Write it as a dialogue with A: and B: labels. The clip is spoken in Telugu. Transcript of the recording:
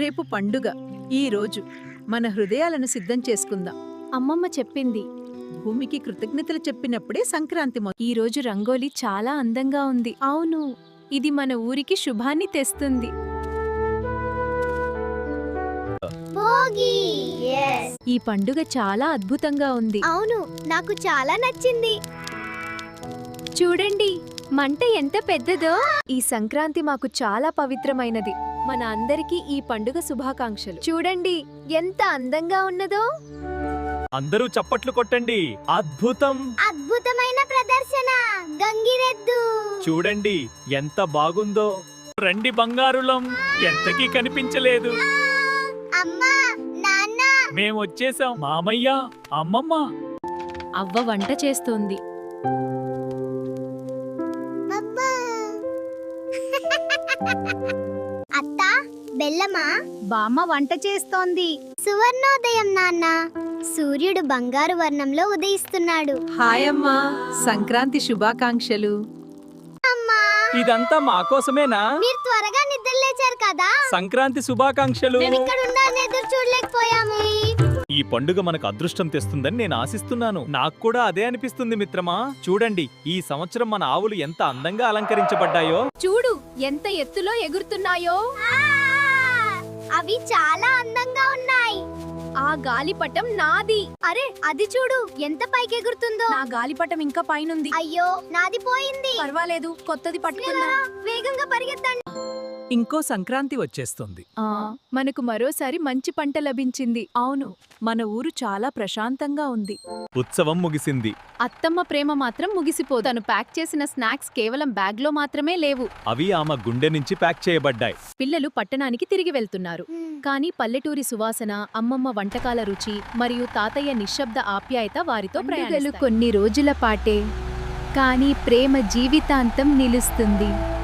A: రేపు పండుగ. ఈ రోజు మన హృదయాలను సిద్ధం చేసుకుందాం.
B: అమ్మమ్మ చెప్పింది.
A: భూమికి కృతజ్ఞతలు చెప్పినప్పుడే సంక్రాంతి
B: ఈ రోజు రంగోలి చాలా అందంగా ఉంది. అవును, ఇది మన ఊరికి శుభాన్ని తెస్తుంది. ఈ పండుగ చాలా అద్భుతంగా ఉంది.
C: అవును, నాకు చాలా నచ్చింది.
B: చూడండి, మంట ఎంత పెద్దదో. ఈ సంక్రాంతి మాకు చాలా పవిత్రమైనది. మన అందరికీ ఈ పండుగ శుభాకాంక్షలు. చూడండి ఎంత అందంగా ఉన్నదో.
D: అందరూ చప్పట్లు కొట్టండి. అద్భుతం!
C: అద్భుతమైన ప్రదర్శన. గంగిరెద్దు
D: చూడండి ఎంత బాగుందో. రండి బంగారులం, ఎంతకీ కనిపించలేదు.
C: అమ్మా, నాన్న,
D: మేమొచ్చేసాం. మామయ్య, అమ్మమ్మ.
B: అవ్వ వంట చేస్తోంది.
C: అబ్బా. అత్త, బెల్లమా?
B: బామ్మ వంట చేస్తోంది.
C: సువర్ణోదయం నాన్న. సూర్యుడు బంగారు వర్ణంలో ఉదయిస్తున్నాడు.
A: హాయ్ అమ్మా, సంక్రాంతి శుభాకాంక్షలు.
C: అమ్మా,
D: ఇదంతా మా కోసమేనా?
C: మీరు త్వరగా నిద్రలేచారు కదా.
D: సంక్రాంతి శుభాకాంక్షలు.
C: మేము ఇక్కడ ఉండాలని ఎదురు చూడలేకపోయాము.
D: ఈ పండుగ మనకు అదృష్టం తెస్తుందని నేను ఆశిస్తున్నాను. నాకు కూడా అదే అనిపిస్తుంది మిత్రమా. చూడండి, ఈ సంవత్సరం మన ఆవులు ఎంత అందంగా అలంకరించబడ్డాయో.
B: చూడు ఎంత ఎత్తులో ఎగురుతున్నాయో.
C: అవి చాలా అందంగా ఉన్నాయి.
B: ఆ గాలిపటం నాది.
C: అరే, అది చూడు ఎంత పైకి ఎగురుతుందో.
B: నా గాలిపటం ఇంకా పైనుంది.
C: అయ్యో, నాది పోయింది.
B: పర్వాలేదు, కొత్తది పట్టుకుందాం.
C: వేగంగా పరిగెత్తండి.
D: ఇంకో సంక్రాంతి వచ్చేస్తుంది.
B: మనకు మరోసారి మంచి పంట లభించింది. అవును, మన ఊరు చాలా ప్రశాంతంగా ఉంది.
D: ఉత్సవం ముగిసింది.
B: అత్తమ్మ ప్రేమ మాత్రం ముగిసిపోదు. తను ప్యాక్ చేసిన స్నాక్స్ కేవలం బ్యాగ్లో మాత్రమే లేవు.
D: అవి ఆమె గుండె నుంచి ప్యాక్ చేయబడ్డాయి.
B: పిల్లలు పట్టణానికి తిరిగి వెళ్తున్నారు. కానీ పల్లెటూరి సువాసన, అమ్మమ్మ వంటకాల రుచి మరియు తాతయ్య నిశ్శబ్ద ఆప్యాయత వారితో ప్రయాణాలు కొన్ని రోజుల పాటే, కానీ ప్రేమ జీవితాంతం నిలుస్తుంది.